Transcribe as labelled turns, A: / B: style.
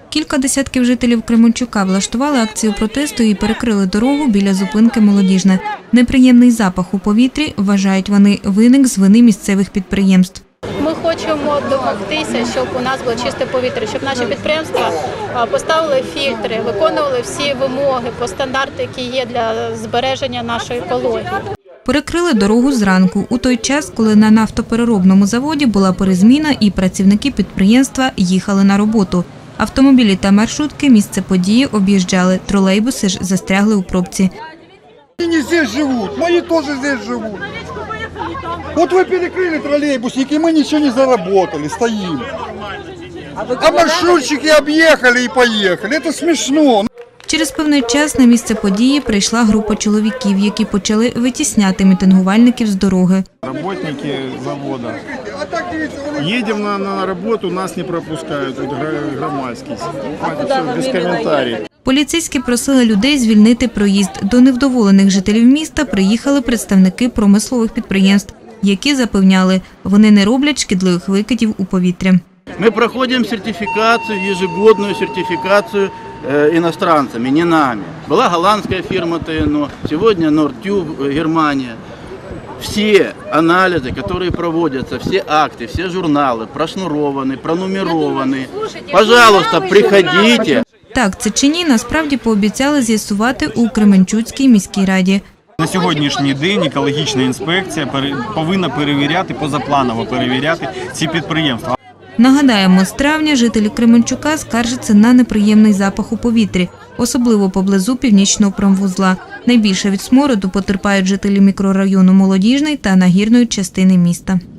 A: Кілька десятків жителів Кременчука влаштували акцію протесту і перекрили дорогу біля зупинки «Молодіжна». Неприємний запах у повітрі, вважають вони, виник з вини місцевих підприємств.
B: Ми хочемо домогтися, щоб у нас було чисте повітря, щоб наші підприємства поставили фільтри, виконували всі вимоги по стандарту, які є для збереження нашої екології.
A: Перекрили дорогу зранку, у той час, коли на нафтопереробному заводі була перезміна і працівники підприємства їхали на роботу. Автомобілі та маршрутки місце події об'їжджали, тролейбуси ж застрягли у пробці.
C: Они здесь живут, мои тоже здесь живут. Вот вы перекрыли троллейбусники, мы ничего не заработали, стоим. А маршрутчики объехали и поехали, это смешно.
A: Через певний час на місце події прийшла група чоловіків, які почали витісняти мітингувальників з дороги.
D: Работники завода. Едем на работу, нас не пропускают, громадський. Все, без коментарів.
A: Поліцейські просили людей звільнити проїзд. До невдоволених жителів міста приїхали представники промислових підприємств, які запевняли, вони не роблять шкідливих викидів у повітря.
E: Мы проходим сертификацию, ежегодную сертификацию иностранцами, не нами. Была голландская фирма ТНО, сегодня Нордтюб, Германия. Все анализы, которые проводятся, все акты, все журналы прошнурованы, пронумерованы. Пожалуйста, приходите.
A: Так, це чи ні, насправді пообіцяли з'ясувати у Кременчуцькій міській раді.
D: На сьогоднішній день екологічна інспекція повинна перевіряти, позапланово перевіряти ці підприємства.
A: Нагадаємо, з травня жителі Кременчука скаржаться на неприємний запах у повітрі, особливо поблизу північного промвузла. Найбільше від смороду потерпають жителі мікрорайону Молодіжний та нагірної частини міста.